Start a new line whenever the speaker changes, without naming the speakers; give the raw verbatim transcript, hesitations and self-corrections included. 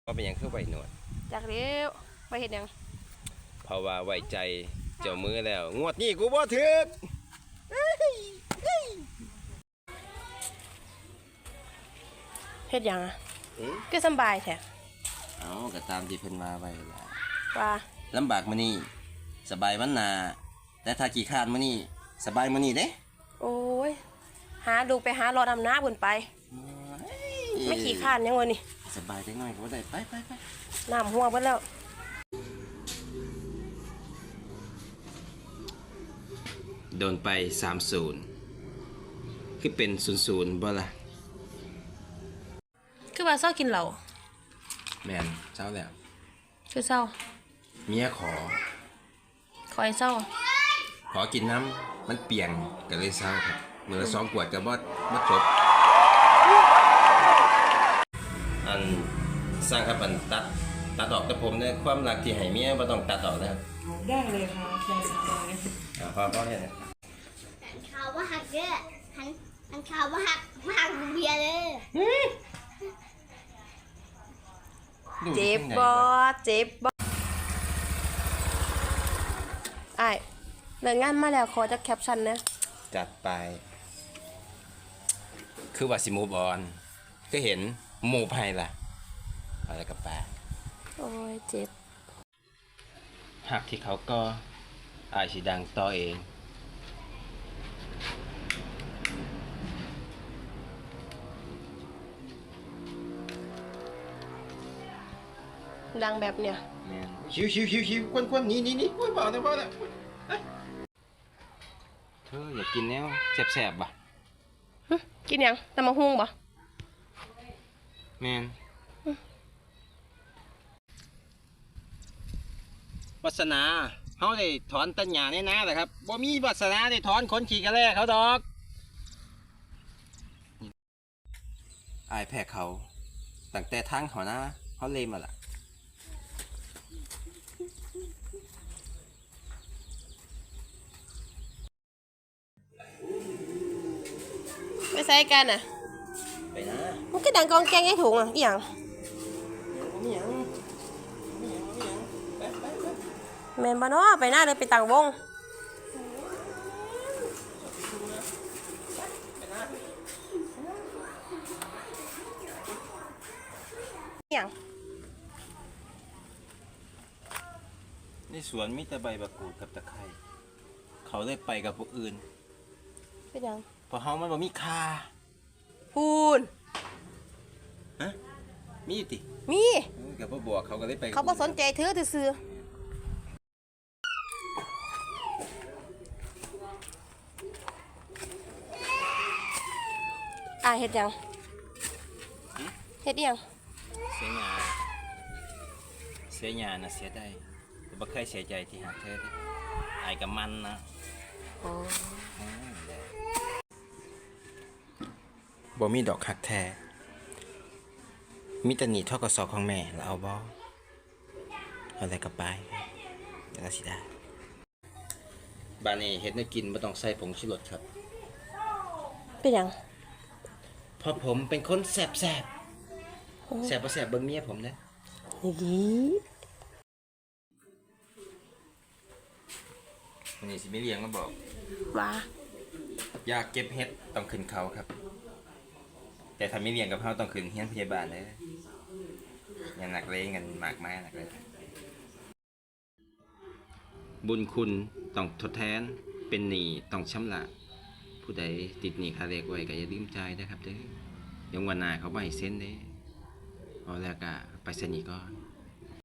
ว่าเป็นยังคือไว้หนวด
จากเลี้ยวไปเห็นยัง
เพราะว่าไว้ใจเจ้ามือแล้วงวดนี้กูบ่ถึก
เฮ็ดยังอ่ะก็สบายแท้
เอาก็ตามที่เพิ่นมาไว้ล่ะ
ว่า
ลำบากมื้อนี้สบายวันหน้าแต่ถ้าขี้คร้านมื้อนี้สบายมื้อนี้เด้
โอ้ยหาดูไปหารอดำน้าพุ่นไปไม่ขี้คร้านยังวะนี่
สบายจังหน่อยก็ได้ไปไปไป
น้ำหัวเบิดแล้ว
โดนไปสามศูนย์คือเป็นศูนย์ศูนย์บ่ล่ะ
คือว่าเศร้ากินเหล้า
แม่นเช้าแล้ว
คือเศร้า
เมียขอ
คอยเศร้า
ขอกินน้ำมันเปียงก็เลยเศร้าครับมื้อละสองขวดก็บ่บ่จบอันสร้างครับอันตัดตัดออกแต่ผมเนี่ยความรักที่ให้เมียบ่ต้องตัดออกนะครับ
ได้เลยค่ะได้เลย
อ่าพอพอเฮ็ดนะ
หันข่าวว่าหักเด้อหันหันข่าวว่าหักมาหักเบียร์เลย
เจ็บบ่เจ็บบ่ไอ้เลิกงานมาแล้วขอจักแคปชั่นนะ
จัดไปคือว่าสิมูฟออนก็เห็นหมู่ไผล่ะอะไรกับแปล
โอ้ยเจ็บ
หักที่เขาก็อายสิดังต่อเอง
ดังแบบเนี้ย
ชิวชิวชิวชิวควนควนนี่นี่นี่ควนเบาเบาแล้วเธออยากกินแนวแสบๆบ่
กินยังตำมะฮุ่งบ่
แมนวาสนาเขาได้ถอนตัญญาในนาแหละครับบ่มีวาสนาได้ถอนขนขี่กระแลเขาดอกอายแพ้เขาตั้งแต่ทางเขานะเขาเลมาล่ะ
ไปใส่กันอ่ะ
ไปนะ
มันก็ดังกองแกงให้ถุงอ่ะอีหยังแม่นบ่เนาะไปหน้าเลยไปต่างวงอีหยัง
ในสวนมีแต่ใบบักกูดกับตะไคร้เขาเลยไปกับพวกอื่น
เป็นยัง
เพราะเฮามันบ่มีค่า
พูน
ฮะมีอยู่ติ
มี
กับพ่อบอกเขาก็เลยไป
เขาบ่สนใจเธอซื่ออ่าเฮ็ดยังเฮ็ดยัง
เสียงาเสียงาน่ะเสียได้แต่บ่เคยเสียใจที่หาเธอที่อายกับมันนะ
อ๋อ
บ่มีดอกหักแท้มีแต่หนีทกสของแม่แล้วเอาบ่เอาอะไรกับไปแล้วก็สิได้บ้านนี้เฮ็ดให้กินบ่ต้องใส่ผงชูรสครับ
เป็นยัง
เพราะผมเป็นคนแสบแสบแสบบ่แสบเบิ่งเมียผมนะวันนี้สิไม่เลี้ยงมาบอก
ว่า
อยากเก็บเฮ็ดต้องขึ้นเขาครับแต่ถ้าไม่เลี้ยงกับเขาต้องขึ้นเฮียนพยาบาลเลยอย่าหนักเลยเงินมากมายหนักเลยบุญคุณต้องทดแทนเป็นหนี้ต้องชำระผู้ใดติดหนี้ค่าแรงไว้ก็อย่าลืมจ่ายนะครับเด้อยังวันหน้าเขาบ่ให้เซ็นเด้เอาแล้วก็ไปเซ็นอีกก่อน